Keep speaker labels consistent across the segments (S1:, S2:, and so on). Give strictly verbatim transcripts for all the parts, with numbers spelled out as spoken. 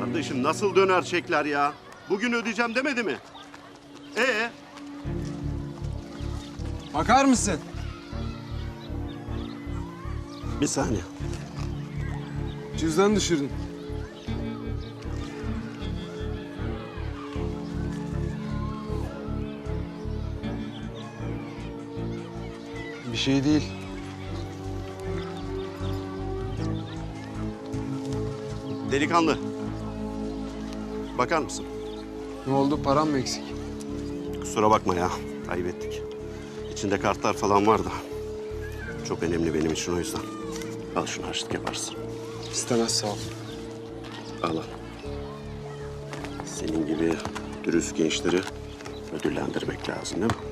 S1: Kardeşim nasıl döner çekler ya? Bugün ödeyeceğim demedi mi? Ee?
S2: Bakar mısın?
S1: Bir saniye.
S2: Cüzdan düşürdün. Bir şey değil.
S1: Delikanlı. Bakar mısın?
S2: Ne oldu? Param mı eksik?
S1: Kusura bakma ya. Kaybettik. İçinde kartlar falan var da. Çok önemli benim için o yüzden. Al şunu harçlık yaparsın.
S2: İstemez sağ ol.
S1: Al al. Senin gibi dürüst gençleri ödüllendirmek lazım değil mi?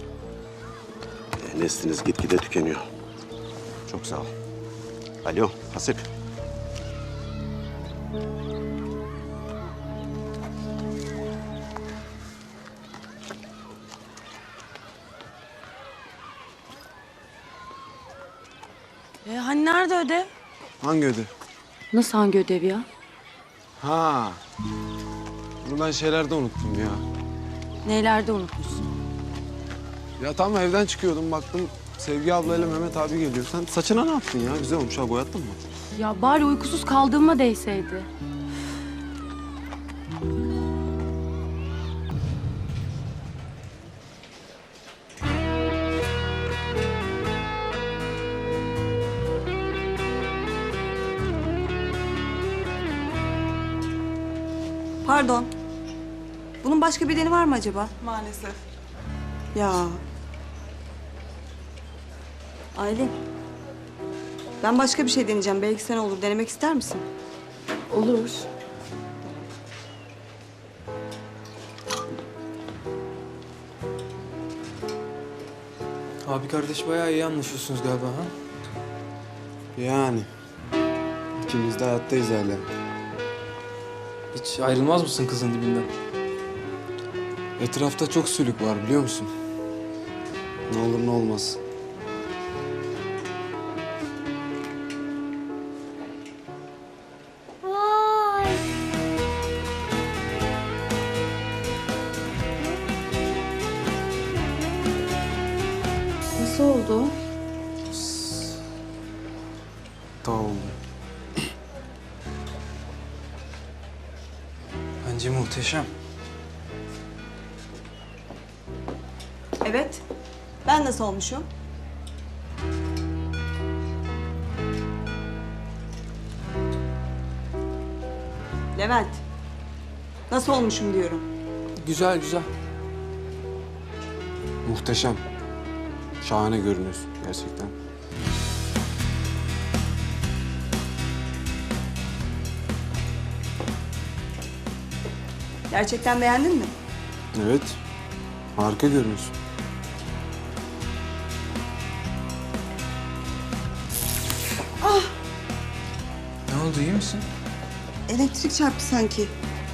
S1: E, nesliniz gitgide tükeniyor. Çok sağ ol. Alo Hasip.
S3: E, hani nerede ödev?
S2: Hangi ödev?
S3: Nasıl hangi ödev ya?
S2: Ha. Bunu ben şeylerde unuttum ya.
S3: Neylerde unutmuşsun?
S2: Ya tam evden çıkıyordum baktım Sevgi ablayla Mehmet abi geliyor. Sen saçına ne yaptın ya? Güzel olmuş ha, boyattın mı?
S3: Ya bari uykusuz kaldığıma değseydi.
S4: Pardon. Bunun başka bedeni var mı acaba?
S5: Maalesef.
S4: Ya. Aylin. Ben başka bir şey deneyeceğim. Belki sen olur. Denemek ister misin?
S3: Olur.
S6: Abi kardeş bayağı iyi anlaşıyorsunuz galiba ha?
S2: Yani. İkimiz de hayattayız hala.
S6: Hiç ayrılmaz mısın kızın dibinden?
S2: Etrafta çok sülük var biliyor musun? Ne olur ne olmaz.
S7: Vay.
S3: Nasıl oldu?
S2: Daha oldu.
S6: Bence muhteşem.
S4: Evet. Ben nasıl olmuşum? Levent. Nasıl olmuşum diyorum.
S6: Güzel güzel.
S2: Muhteşem. Şahane görünüyorsun gerçekten.
S4: Gerçekten beğendin mi?
S2: Evet. Harika görünüyorsun.
S6: Ne oldu iyi misin?
S4: Elektrik çarptı sanki.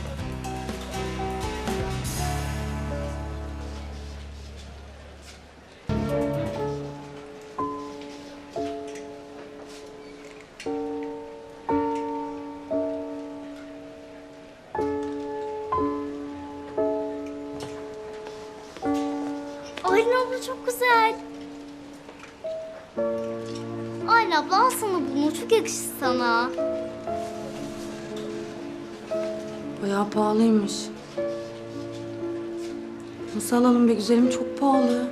S7: Aylin abla çok güzel. Aylin abla al sana bunu. Çok yakışır sana.
S3: Bayağı pahalıymış. Nasıl alalım be güzelim? Çok pahalı.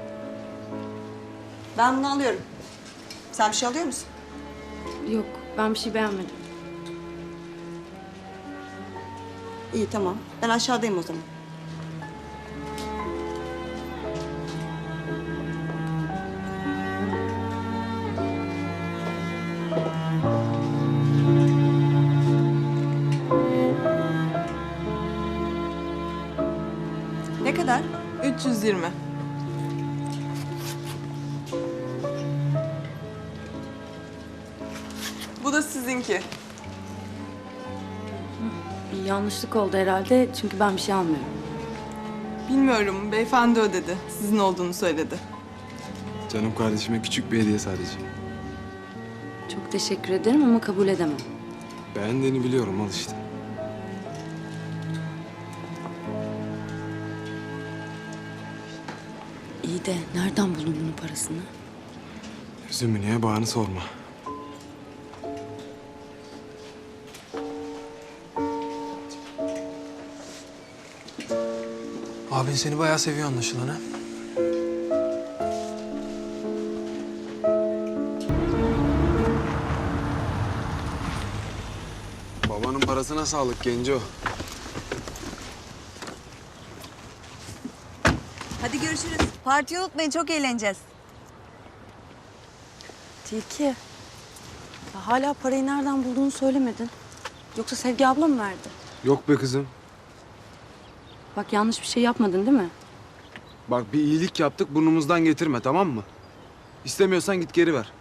S4: Ben bunu alıyorum. Sen bir şey alıyor musun?
S3: Yok, ben bir şey beğenmedim.
S4: İyi tamam. Ben aşağıdayım o zaman. Ne kadar?
S5: üç yüz yirmi. Bu da sizinki.
S3: Bir yanlışlık oldu herhalde çünkü ben bir şey almıyorum.
S5: Bilmiyorum, beyefendi ödedi. Sizin olduğunu söyledi.
S2: Canım kardeşime küçük bir hediye sadece.
S3: Çok teşekkür ederim ama kabul edemem.
S2: Beğendiğini biliyorum al işte.
S3: İyi de nereden buldun bunun parasını?
S2: Üzümü niye bağını sorma.
S6: Abin seni bayağı seviyor anlaşılan ha.
S2: Babanın parasına sağlık Genco.
S4: Hadi görüşürüz. Partiyi unutmayın, çok eğleneceğiz.
S3: Tilki. Ya hala parayı nereden bulduğunu söylemedin. Yoksa Sevgi abla mı verdi?
S2: Yok be kızım.
S3: Bak yanlış bir şey yapmadın değil mi?
S2: Bak bir iyilik yaptık, burnumuzdan getirme, tamam mı? İstemiyorsan git geri ver.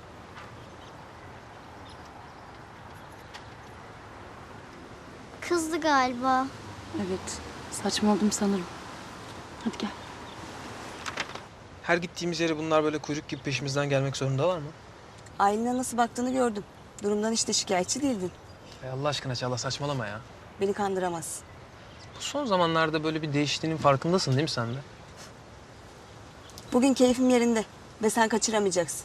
S7: Kızdı galiba.
S3: Evet. Saçmaladım sanırım. Hadi gel.
S6: Her gittiğimiz yere bunlar böyle kuyruk gibi peşimizden gelmek zorundalar mı?
S4: Aylin'e nasıl baktığını gördüm. Durumdan hiç de şikayetçi değildin.
S6: Ya Allah aşkına Çağla saçmalama ya.
S4: Beni kandıramaz.
S6: Bu son zamanlarda böyle bir değiştiğinin farkındasın değil mi sen de?
S4: Bugün keyfim yerinde ve sen kaçıramayacaksın.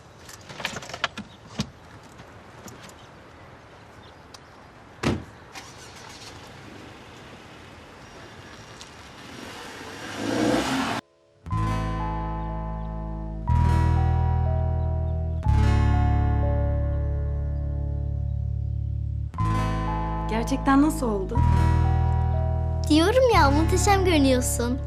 S3: Gerçekten nasıl oldu?
S7: Diyorum ya, muhteşem görünüyorsun.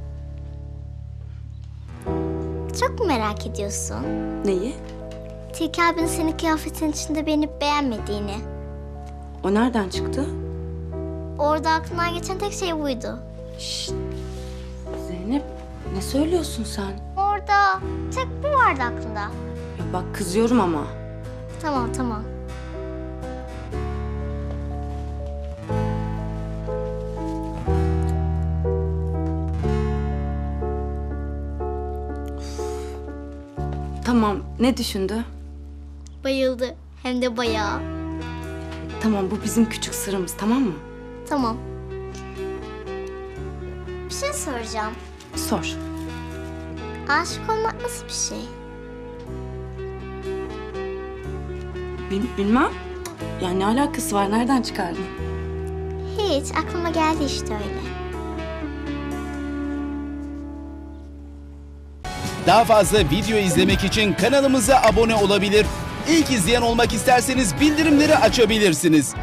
S7: Çok mu merak ediyorsun?
S3: Neyi?
S7: Tilki abinin senin kıyafetin içinde beğenip beğenmediğini.
S3: O nereden çıktı?
S7: Orada aklından geçen tek şey buydu.
S3: Şşt. Zeynep ne söylüyorsun sen?
S7: Orada tek bu vardı aklında.
S3: Ya bak kızıyorum ama.
S7: Tamam tamam.
S3: Tamam ne düşündü?
S7: Bayıldı. Hem de bayağı.
S3: Tamam bu bizim küçük sırrımız tamam mı?
S7: Tamam. Bir şey soracağım.
S3: Sor.
S7: Aşık olmak nasıl bir şey?
S3: Bil- bilmem. Yani ne alakası var? Nereden çıkardın?
S7: Hiç. Aklıma geldi işte öyle.
S8: Daha fazla video izlemek için kanalımıza abone olabilir. İlk izleyen olmak isterseniz bildirimleri açabilirsiniz.